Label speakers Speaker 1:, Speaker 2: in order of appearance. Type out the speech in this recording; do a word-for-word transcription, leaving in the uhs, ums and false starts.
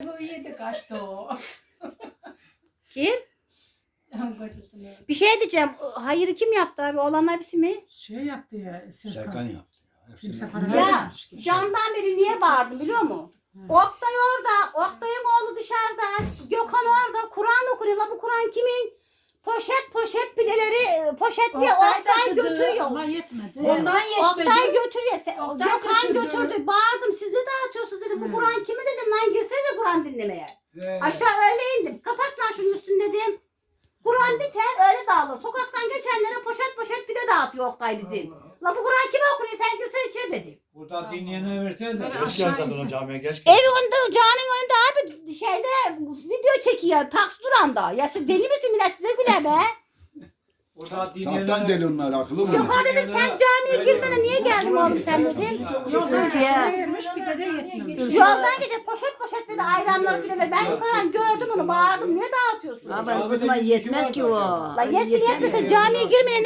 Speaker 1: Tavuğu yedi kaçtı o.
Speaker 2: Kim?
Speaker 1: Kocasını.
Speaker 2: Bir şey diyeceğim. Hayır kim yaptı abi? Oğlanlar birisi mi?
Speaker 3: Şey yaptı ya.
Speaker 4: Serkan
Speaker 3: Serkan.
Speaker 4: yaptı ya. Hepsini
Speaker 3: Kimse
Speaker 4: yaptı.
Speaker 3: para
Speaker 2: Ya
Speaker 3: vermemiş ki.
Speaker 2: candan beri niye bağırdım biliyor musun?
Speaker 3: Hı.
Speaker 2: Oktay orada. Oktay'ın oğlu dışarıda. Gökhan orada. Kur'an okunuyor. La bu Kur'an kimin? Poşet poşet pideleri poşetliye
Speaker 1: Oktay
Speaker 2: Oktay
Speaker 1: taşıdı.
Speaker 2: götürüyor.
Speaker 3: Ama yetmedi.
Speaker 1: Ondan yetmedi.
Speaker 2: Oktay götürüyor. Se-
Speaker 1: Oktay
Speaker 2: Gökhan
Speaker 1: götürdü.
Speaker 2: götürdü. Bağırdım. Siz ne dağıtıyorsunuz dedim. Bu
Speaker 3: Hı.
Speaker 2: Kur'an kimi dedim lan girsenize Kur'an dinlemeye.
Speaker 5: He.
Speaker 2: Aşağı öyle indim. Kapat lan şunun üstünü dedim. Kur'an biter öyle dağılır. Sokaktan geçenlere poşet poşet pide dağıtıyor Oktay bizim. La bu Kur'an kime okunuyor sen girsen içeri dedi.
Speaker 5: Burada dinleyene versenize.
Speaker 3: Böyle
Speaker 6: Geç
Speaker 3: aşağı
Speaker 6: gel zaten o
Speaker 3: insin.
Speaker 6: camiye geç gel.
Speaker 2: Ev önünde caminin önünde abi şeyde video çekiyor taksi duranda. Ya siz deli misin millet size güle be.
Speaker 5: Burada dinleyene
Speaker 4: Zaten deli onlar akıllı mı?
Speaker 2: Gökhan dedim sen camiye girmeden niye geldin oğlum sen dedim.
Speaker 3: Yoldan
Speaker 2: Ülkeye.
Speaker 3: aşağı vermiş bir de de yetmemiş.
Speaker 2: Yoldan geçip poşet poşet bir de ayranlar bir de ben Kur'an gördüm onu bağırdım niye dağıtıyorsun?
Speaker 7: Ama o zaman yetmez ki o.
Speaker 2: La yesin yetmesin camiye girmeye ne